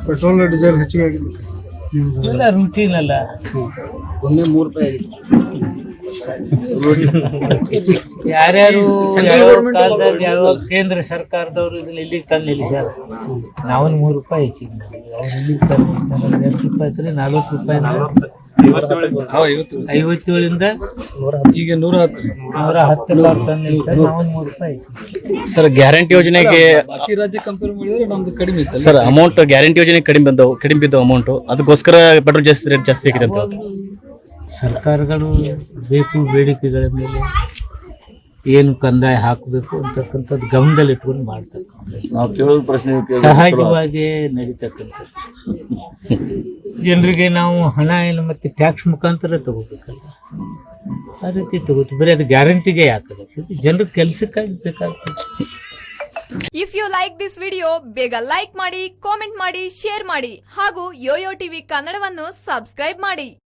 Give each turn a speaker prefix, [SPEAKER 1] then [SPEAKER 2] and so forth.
[SPEAKER 1] Petrol diesel ಹೆಚ್ಚಿಗೆ ಆಗಿದೆ.
[SPEAKER 2] ಎಲ್ಲ ರೂಟೀನ್ ಅಲ್ಲ.
[SPEAKER 3] ಒಮ್ಮೆ 3 ರೂಪಾಯಿ
[SPEAKER 2] ಯಾರ್ಯಾರು ಯಾವ ಕೇಂದ್ರ ಸರ್ಕಾರದವರು ಇದನ್ನ ಇಲ್ಲಿಗೆ ತಂದು ನಿಲ್ಲಿಸ್ಯಾರ. ನಾವು 3 ರೂಪಾಯಿ ಹೆಚ್ಚಿಗೆ ಮಾಡಿದ್ವಿ. ಅವ್ರು ಇಲ್ಲಿಗೆ ತಂದು 2 ರೂಪಾಯಿ ಇದ್ರೆ 40 ರೂಪಾಯಿ 57ಇಂದ
[SPEAKER 1] ಈಗ 110
[SPEAKER 2] ತಂದು ನಿಲ್ಲಿಸ್ತಾರೆ. ನಾವು 3 ರೂಪಾಯಿ ಹೆಚ್ಚಿಗೆ.
[SPEAKER 4] ಸರ್ ಗ್ಯಾರಂಟಿ ಯೋಜನೆಗೆ
[SPEAKER 1] ಬಾಕಿ ರಾಜ್ಯ ಕಂಪೇರ್ ಮಾಡಿದ್ರೆ ನಮ್ದು ಕಡಿಮೆ ಇತ್ತು
[SPEAKER 4] ಸರ್ ಅಮೌಂಟ್ ಗ್ಯಾರಂಟಿ ಯೋಜನೆ ಕಡಿಮೆ ಬಿದ್ದವು ಅಮೌಂಟ್, ಅದಕ್ಕೋಸ್ಕರ ಪೆಟ್ರೋಲ್ ಜಾಸ್ತಿ ರೇಟ್ ಜಾಸ್ತಿ ಆಗಿದೆ ಅಂತ.
[SPEAKER 2] ಸರ್ಕಾರಗಳು ಬೇಕು ಬೇಡಿಕೆಗಳ ಮೇಲೆ ಏನು ಕಂದಾಯ ಹಾಕಬೇಕು ಅಂತಕ್ಕಂಥದ್ದು ಗಮನದಲ್ಲಿ ಇಟ್ಕೊಂಡು ಮಾಡ್ತಕ್ಕಂಥದ್ದು ಸಹಜವಾಗಿ ನಡೀತಕ್ಕಂಥದ್ದು. ಜನರಿಗೆ ನಾವು ಹಣ ಏನು ಮತ್ತೆ ಟ್ಯಾಕ್ಸ್ ಮುಖಾಂತರ ತಗೋಬೇಕಲ್ಲ, ಆ ರೀತಿ ತಗೋತೀವಿ. ಬರೀ ಅದು ಗ್ಯಾರಂಟಿಗೆ ಯಾಕಾಗುತ್ತೆ, ಜನರ ಕೆಲಸಕ್ಕಾಗಿ ಬೇಕಾಗ್ತದೆ.
[SPEAKER 5] If you like this video ಬೇಗ ಲೈಕ್ ಮಾಡಿ, ಕಾಮೆಂಟ್ ಮಾಡಿ, ಶೇರ್ ಮಾಡಿ ಹಾಗೂ ಯೋಯೋ ಟಿವಿ ಕನ್ನಡವನ್ನು ಸಬ್ಸ್ಕ್ರೈಬ್ ಮಾಡಿ.